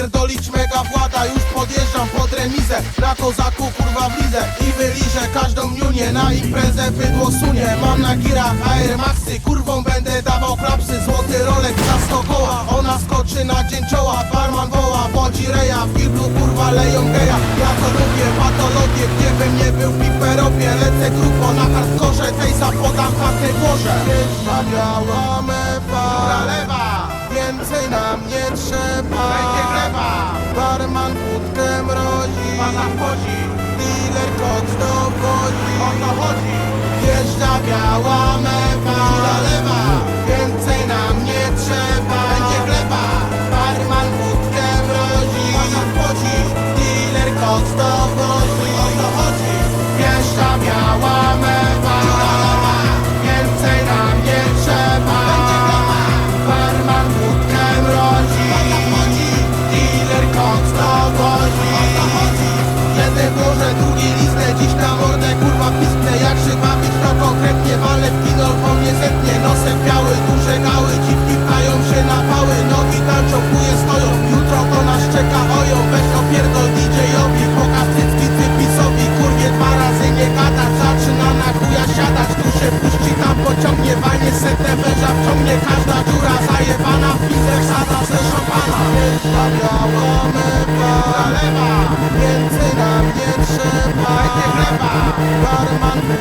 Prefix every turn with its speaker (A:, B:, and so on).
A: Napierdolić mega włada, już podjeżdżam pod remizę. Na kozaku kurwa wlizę i wyliżę każdą niunię. Na imprezę bydło sunie. Mam na girach Air Maxy, kurwą będę dawał klapsy. Złoty rolek za 100 koła, ona skoczy na dzień czoła. Barman woła, wodzi reja, w giblu kurwa leją geja. Ja to lubię, patologię, gdzie bym nie był w piperopie. Lecę grubo na hardkorze, tej zapodam kartę włożę. Wjeżdża biała mewa, lewa, więcej nam nie trzeba. Będzie gleba, barman wódkę mrozi, pana wchodzi, dealer koks dowozi. O to chodzi. Wjeżdża biała mewa, lewa, więcej nam nie trzeba. Będzie gleba, barman wódkę mrozi, pana wchodzi, dealer koks dowozi. O to chodzi. Wjeżdża biała mewa, lewa, więcej nam nie trzeba. Będzie gleba, barman wódkę mrozi, pana wchodzi, dealer koks dowozi. O to chodzi. Jeden może, drugi listę, dziś na mordę kurwa pisknę. Jak żywa być to konkretnie, walę w kino, po mnie zetnie. Nosem biały, duże gały, dziwki pchają się na pały. Nogi tańczą, chuje stoją, jutro to nas czeka oją. Weź opierdol DJ-owi, pokaż cycki cypisowi. Kurwie dwa razy nie gadać, zaczyna na chuja siadać. Tu się puści, tam pociągnie, walnie setę, węża wciągnie. Każda dziura zajebana, w pizek sada ze szampana. Wjeżdża biała mewa, lewa, więcej nam nie trzeba. Będzie gleba, barman